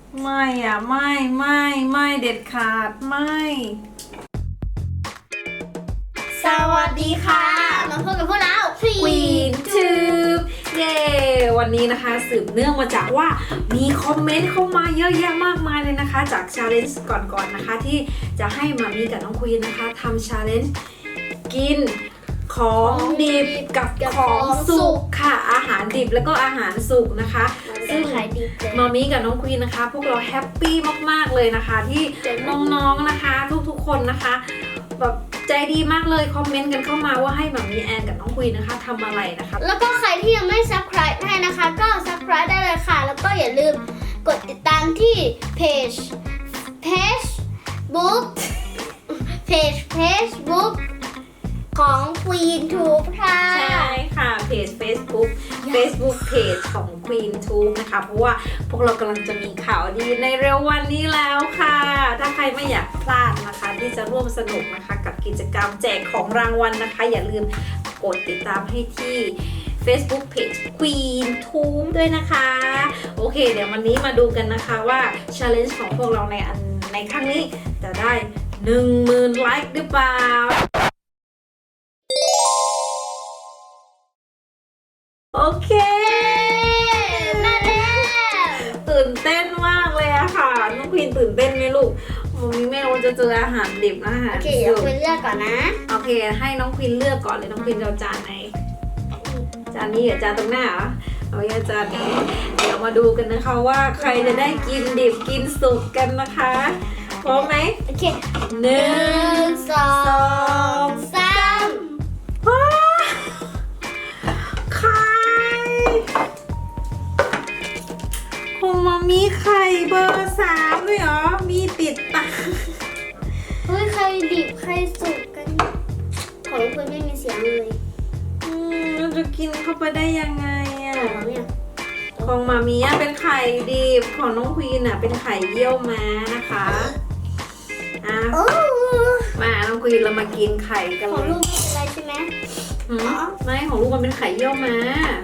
ไม่อ่ะไม่เด็ดขาดไม่สวัสดีค่ะมาพบกับพวกเรา Queen Tube เย้วันนี้นะคะสืบเนื่องมาจากว่ามีคอมเมนต์เข้ามาเยอะแยะมากมายเลยนะคะจาก challenge ก่อนนะคะที่จะให้มามีกับน้องควีนนะคะทำ challenge กินของดิบกับของสุกค่ะอาหารดิบแล้วก็อาหารสุกนะคะซึ่งขายดีเลยมามีกับน้องควีนนะคะพวกเราแฮปปี้มากๆเลยนะคะที่น้องๆนะคะทุกๆคนนะคะแบบใจดีมากเลยคอมเมนต์กันเข้ามาว่าให้มามีแอนกับน้องควีนนะคะทำอะไรนะคะแล้วก็ใครที่ยังไม่ subscribe ให้นะคะก็ subscribe ได้เลยค่ะ แล้วก็อย่าลืมกดติดตามที่Facebook ของ Queen Tube ค่ะใช่ค่ะเพจ Facebook เพจของ Queen Tube นะคะเพราะว่าพวกเรากำลังจะมีข่าวดีในเร็ววันนี้แล้วค่ะถ้าใครไม่อยากพลาดนะคะที่จะร่วมสนุกนะคะกับกิจกรรมแจกของรางวัลนะคะอย่าลืมกดติดตามให้ที่ Facebook Page Queen Tube ด้วยนะคะโอเคเดี๋ยววันนี้มาดูกันนะคะว่า Challenge ของพวกเราในครั้งนี้จะได้ 10,000 ไลค์หรือเปล่าโอเคมาแล้วตื่นเต้นมากเลยอะค่ะน้องควีนตื่นเต้นไหมลูกมันมีไม่รู้จะเจออาหารดิบนะอาหารโอเคเดี๋ยวคุณเลือกก่อนนะโอเคให้น้องควีนเลือกก่อนเลยน้องควีนจะเอาจานไหนจานนี้เหรอจานตรงหน้าเหรอเอาอย่างจานนี้เดี๋ยวมาดูกันนะคะว่าใครจะได้กินดิบกินสุกกันนะคะพร้อมไหมโอเคหนึ่ง 1 2 3 ว้าไข่คงมามีไข่เบอร์3ด้วยเหรอมีติดตาเฮ้ยใครดิบใครสุกกันของคุณไม่มีเสียงเลยเราจะกินเข้าไปได้ยังไงอ่ะของเนี่ยของมามีอ่ะเป็นไข่ดิบของน้องควีนอ่ะเป็นไข่เยี่ยวม้านะคะอ่ะโอ้มาน้องควีนเรามากินไข่กันขเลองยลูกไม่เป็นไรใช่ไหมหืมไม่ของลูกมันเป็นไข่เยี่ยวม้า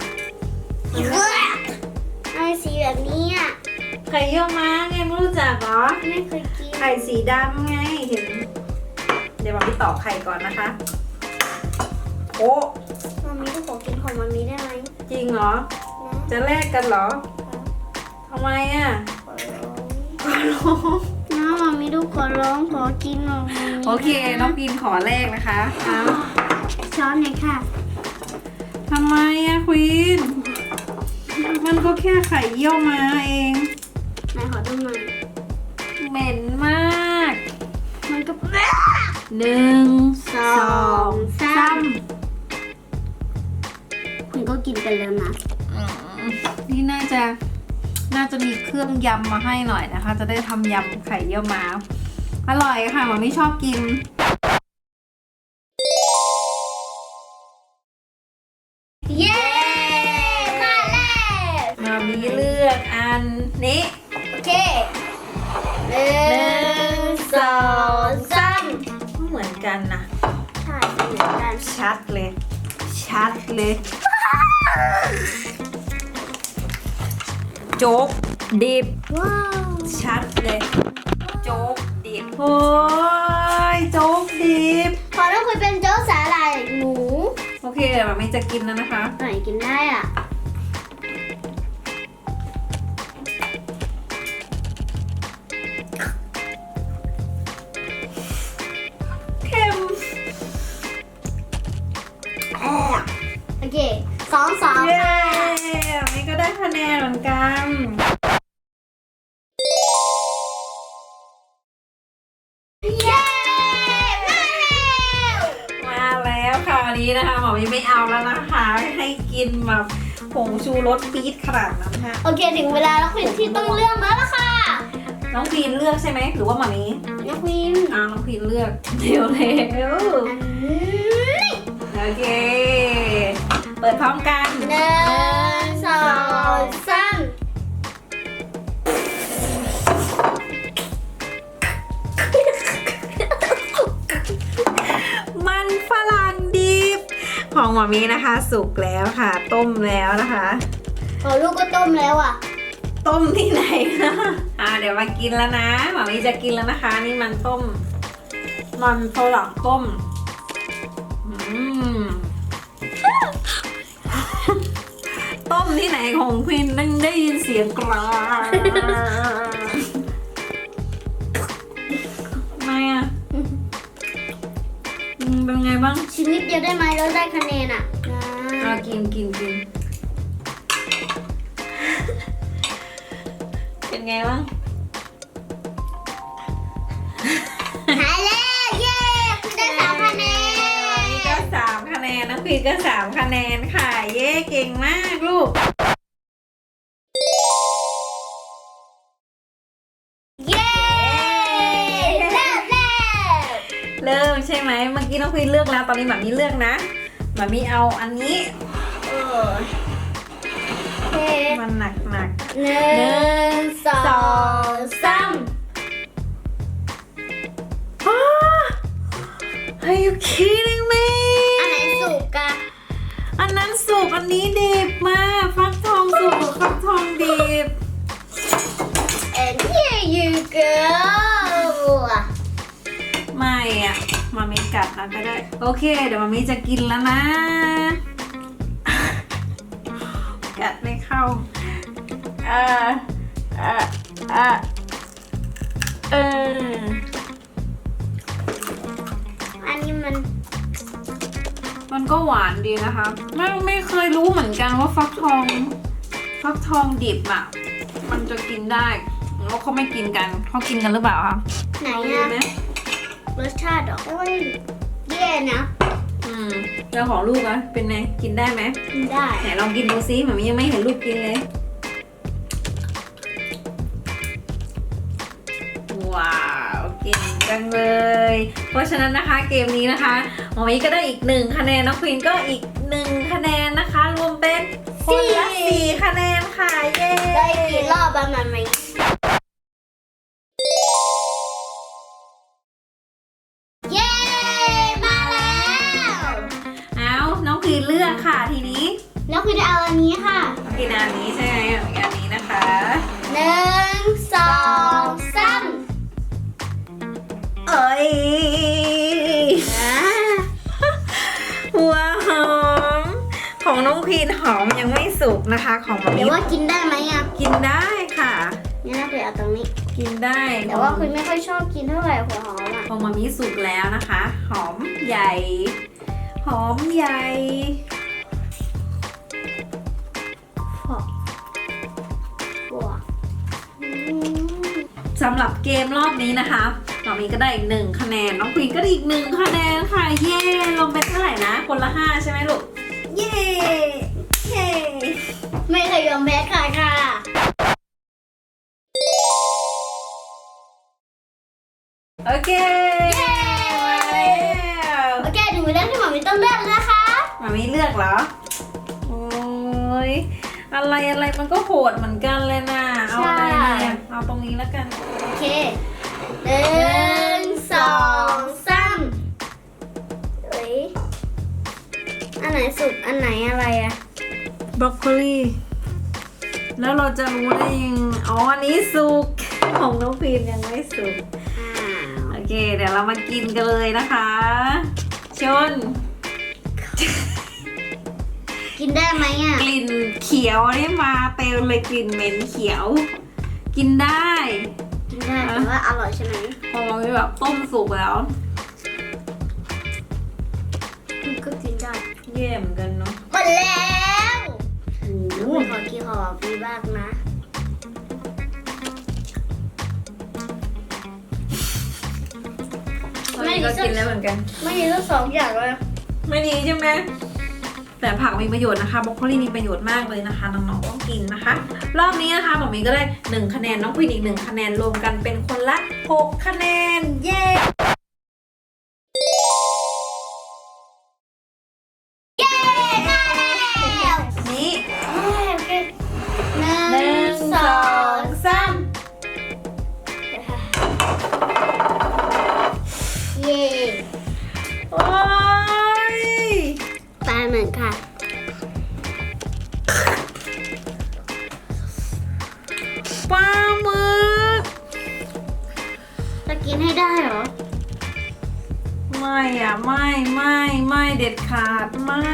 ไอสีแบบนี้อ่ะไข่เยี่ยวม้าไงไม่รู้จักเหรอไม่เคยกินไข่สีดำไงเห็นเดี๋ยวมาพี่ต่อไข่ก่อนนะคะโอ้มามีก็ขอกินของมามีได้ไหมจริงเหรอจะแลกกันเหรอทำไมอ่ะขอร้องน้ามามีดูขอร้องขอกินหน่อยโอเคน้องพีนขอแลกนะคะเอาช้อนหน่อยค่ะทำไมอะควีนมันก็แค่ไข่เยี่ยวม้าเองนายขอดูหน่อยเหม็นมากมันก็ 1 2 3 คุณก็กินไปแล้วนะนี่น่าจะมีเครื่องยำมาให้หน่อยนะคะ จะได้ทำยำไข่เยี่ยวม้าอร่อยค่ะหมอไม่ชอบกินเย้มาแล้วมามีเลือกอันนี้โอเค1 2 3 เหมือนกันนะใช่เหมือนกันชัดเลยโจ๊กดิบว้าวชัดเลยโจ๊กดิบโอ้ยโจ๊กดิบขอต้องคุยเป็นโจ๊กสาหร่ายหมูโอเคเดี๋ยวไม่จะกินแล้วนะคะไหนกินได้อ่ะเค็มโอเค2 เย้ค่ะไม่ก็ได้คะแนนเหมือนกันเย้มาแล้วมาแล้วค่ะวันนี้นะคะหมอไม่เอาแล้วนะคะให้กินแบบผงชูรสปี๊ดขนาดนั้นค่ะโอเคถึงเวลาแล้วคุณที่ต้องเลือกแล้วล่ะค่ะน้องพีนเลือกใช่ไหมหรือว่าหมามีน้องควีนน้องพีนเลือกเร็วอันนี้โอเค เปิดพร้อมกัน 1 2 3 มันฝรั่งดิบของหมามีนะคะ สุกแล้วค่ะ ต้มแล้วนะคะขอลูกก็ต้มแล้วอ่ะต้มที่ไหนนะเดี๋ยวดี๋ยวมากินแล้วนะหมามีจะกินแล้วนะคะ นี่มันต้ม มันฝรั่งต้มต้มที่ไหนของควินนั่งได้ยินเสียงกรอทำไมอ่ะเป็นไงบ้างชิ้นนิดเดียวได้ไหมแล้วได้คะแนนอ่ะกินเป็นไงบ้างหายแล้วเย้คุณได้3 คะแนนนี่ก็3 คะแนนน้องพีก็3 คะแนนค่ะเย้เก่งมากลูกเย้เริ่มเริ่มใช่ไหมเมื่อกี้น้องพีเลือกแล้วตอนนี้หมามีเลือกนะหมามีเอาอันนี้โอเคมันหนัก 1 2 3 Are you kidding me อันไหนสุกอะอันนั้นสุกอันนี้ดิบมาฟักทองสุกหรือฟักทองดิบ and here you go ไม่อ่ะมามีกัดนะก็ได้โอเคเดี๋ยวมามีจะกินแล้วนะ กัดไม่เข้าอันนี้มันก็หวานดีนะคะไม่เคยรู้เหมือนกันว่าฟักทองดิบอ่ะมันจะกินได้แล้วเขาไม่กินกันเขากินกันหรือเปล่าคะไหนรู้อะไหมรสชาติเหรอโอ้ยแย่นะแล้วของลูกอะเป็นไงกินได้ไหมกินได้ไหนลองกินดูซิหมามียังไม่เห็นลูกกินเลยว้าวเก่งจังเลย เพราะฉะนั้นนะคะเกมนี้นะคะหมอมีก็ได้อีก1 คะแนนน้องควีนก็อีก1 คะแนนนะคะรวมเป็นคนละ4 คะแนนค่ะเย้ได้กี่รอบประมาณไหมเย้มาแล้วเอาน้องควีนเลือกค่ะทีนี้แล้วคือจะเอาอันนี้ค่ะน้องควีนอันนี้ใช่ไหมอันนี้นะคะ 1 2 3 เอ้ย หัวหอมของน้องควีนหอมยังไม่สุกนะคะของหมาเดี๋มียวว่ากินได้ไหมอ่ะกินได้ค่ะงั้นเราไปเอาตรงนี้กินได้แต่ว่าคุณไม่ค่อยชอบกินเท่าไหร่หัวหอมอ่ะของหมามีสุกแล้วนะคะ หอมใหญ่ หอมใหญ่สำหรับเกมรอบนี้นะคะหมามีก็ได้อีก1 คะแนนน้องควีนก็ได้อีก1 คะแนนค่ะเย้รวมเป็นเท่าไหร่นะคนละ5ใช่ไหมลูกเย้เย้ไม่เคยยอมแพ้ใครค่ะโอเคมาแล้วโอเคถึงเวลาที่หมอมีต้องเลือกแล้วนะคะหมามีเลือกเหรอโอ้ยอะไรมันก็โหดเหมือนกันเลยนะเอาอะไรเนี่ยเอาตรงนี้แล้วกันโอเค1 2 3เอ้ยอันไหนสุกอันไหนอะไรอะบรอกโคลีแล้วเราจะรู้ได้ยังอ๋ออันนี้สุกของน้องพีนยังไม่สุกโอเคเดี๋ยวเรามากินกันเลยนะคะชนกินได้ไหมอ่ะกลิ่นเขียวนี่มาเต็มเลยกลิ่นเหม็นเขียว กินได้กินได้แต่ว่าอร่อยใช่ไหมพอมันแบบต้มสุกแล้วก็กินได้เย่เหมือนกันเนาะหมดแล้วโอ้โหขอกินขอฟีบ้างนะตอนนี้ก็กินแล้วเหมือนกันไม่มีทั้ง2 อย่างเลยไม่ดีใช่ไหมแต่ผักมีประโยชน์นะคะบรอกโคลีมีประโยชน์มากเลยนะคะน้องๆต้องกินนะคะ รอบนี้นะคะหมอมีก็ได้1 คะแนนน้องควีนอีก1 คะแนนรวมกันเป็นคนละ6 คะแนนเย้นี่โอเค 1 2 3 เย้โอ้ยปลาเหมือนค่ะปลาหมึกกินให้ได้เหรอไม่อ่ะไม่เด็ดขาดไม่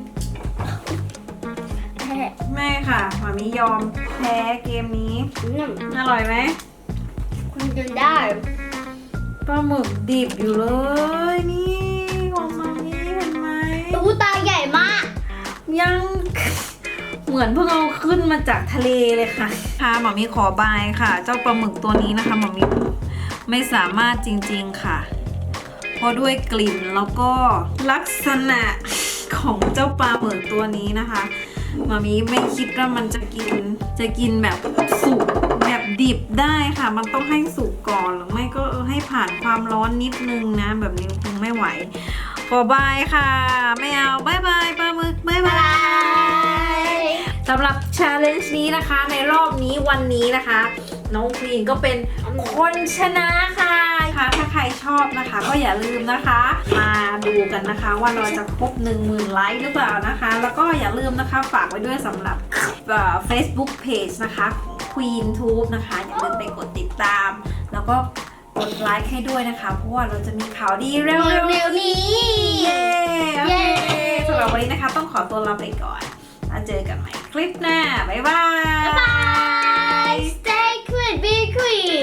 ค่ะหมามิยอมแพ้เกมนี้อร่อยไหมคุณกินได้ปลาหมึกดิบอยู่เลยนี่ของมามิเห็นไหมตู้ตาใหญ่มากยังเหมือนเพิ่งเอาขึ้นมาจากทะเลเลยค่ะหมามิขอบายค่ะ เจ้าปลาหมึกตัวนี้นะคะหมามิไม่สามารถจริงๆค่ะเพราะด้วยกลิ่นแล้วก็ลักษณะของเจ้าปลาหมึกตัวนี้นะคะหมามิไม่คิดว่ามันจะกินแบบสุกแบบดิบได้ค่ะมันต้องให้สุกก่อนหรือไม่ก็ให้ผ่านความร้อนนิดนึงนะแบบนี้คงไม่ไหวขอบายค่ะไม่เอาบายบายปลาหมึกบายบายสำหรับ challenge นี้นะคะในรอบนี้วันนี้นะคะน้องควีนก็เป็นคนชนะค่ะถ้าใครชอบนะคะก็อย่าลืมนะคะมาดูกันนะคะว่าเราจะครบ 10,000 ไลค์หรือเปล่านะคะแล้วก็อย่าลืมนะคะฝากไว้ด้วยสำหรับFacebook Page นะคะของ Queen Tube นะคะอย่าลืมไปกดติดตามแล้วก็กดไลค์ให้ด้วยนะคะเพราะว่าเราจะมีข่าวดีเร็วๆนี้เย้โอเคสำหรับวันนี้นะคะต้องขอตัวลาไปก่อนแล้วเจอกันใหม่คลิปหน้าบ๊ายบาย Stay queen, be queen.